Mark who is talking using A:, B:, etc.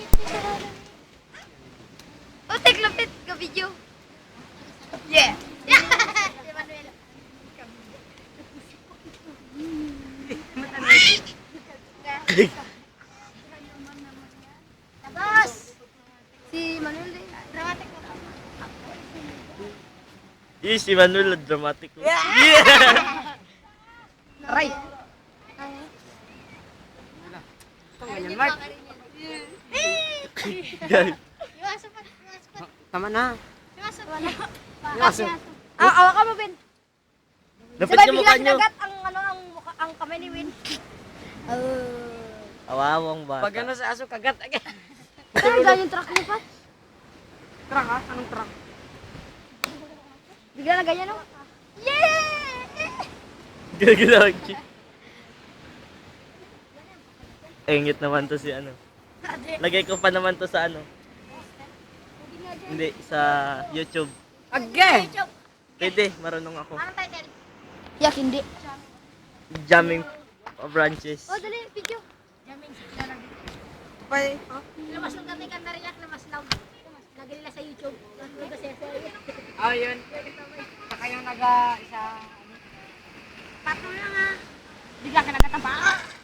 A: Oh, take lapit ka video. Yeah. Si Manuel. Tapos si Manuel din. Dramatic na.
B: Yes, si Manuel dramatic. Yeah!
C: Aray!
A: Ganyan, Mark.
B: Guys,
A: Iwasan pa. Iwasan pa.
C: Tama na.
A: Iwasan pa.
C: Iwasan.
A: Awa ka mo, Ben.
B: lapit
A: Sabay
B: yung
A: bigla
B: mukha nyo.
A: kinagat ang ang kamay ni Win.
B: Awawang bata.
C: Pag ano sa aso, kagat agad.
A: Ano ganyan truck niya, Pat?
C: Truck ha? Anong truck?
A: Bigla na ganyan, no? Yeah!
B: Gagalaw chick. Engit naman to si ano. Lagay ko pa naman to sa ano. Hindi, sa YouTube.
C: Agay!
B: Pwede, marunong ako.
A: Anong title? Yak, hindi.
B: Jamming branches.
A: Oh, dali, video. Jamming.
C: Pay.
A: Lamas ng kami kanta riyak, lamas loud. Lagay nila sa YouTube.
C: Oh, yun. Saka yung naga isa...
A: Patro lang ha. Bigla ka nagkatapa.